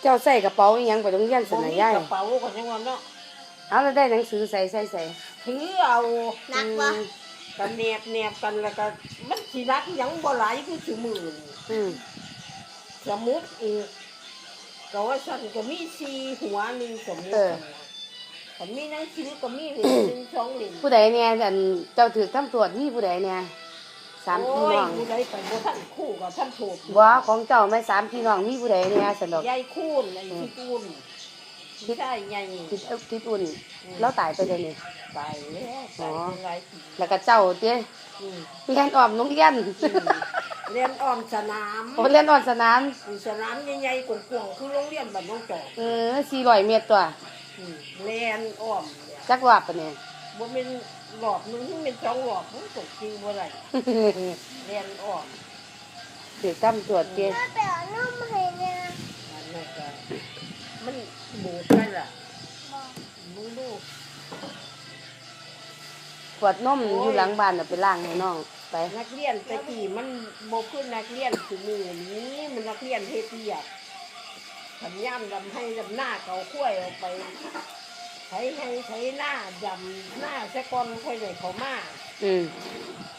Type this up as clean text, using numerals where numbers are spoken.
เจ้าใส่กระเป๋าอีหยังไปโรงเรียนสบ่นะมียายกระเป๋าก็ยังว่าเนาะเอาแล้วได้หนังสือใส่ถือเอานักวะกันแนบกันแล้วก็มันสิรักหยังบ่หลายคือสิมือนี่อืมสมุดอีกก็ว่าสั่นก็มี4หัวหนึงสมุดก็มีหนังสือก็มีเหรียญ1 2เหรียญผู้ใดเนี่ยอันเจ้าถือตำรวจมีผู้ใดเนี่ยสามพี่น้องผู้ใดไปบ่ทันคู่กับท่านโทษบ่ของเจ้าไม่สามพี่น้องมีผู้ใดเนี่ยสนุกยายคูนไอ้ที่คูนใช่ใหญ่ทิดอุ่นแล้วตายไปเลยนี่ตายแล้วตายเป็นหลายปีแล้วก็เจ้าเจ้อืมเรียนออมโรงเรียนเรียนอ้อมสนามโอ้เรียนออมสนามสนามใหญ่ๆกว้างๆคือโรงเรียนบ้านน้องจอก 400 เมตรตัวเรียนอ้อมเนี่ยจักรอบปะเนี่ยบ่เป็นหลอบหนึงเป็น2หลอบมันตกจริงบ่ได้เรียนอ้อมถือตำรวจเจ้แม่ไปเอานมให้เนี่ยอันนั้นก็มันบูดไปล่ะบอกมึงดูขวดนมอยู่หลังบ้านเอาไปล้างให้น้องไปนักเรียนแต่กี้มันบ่คือนักเรียนคือมือนี้มันนักเรียนเฮ็ดเวียกขันย่ำดำให้ดำหน้าเกาข้วยออกไปไถให้ไถหน้าดำหน้าซะก่อนค่อยได้เขามาอืม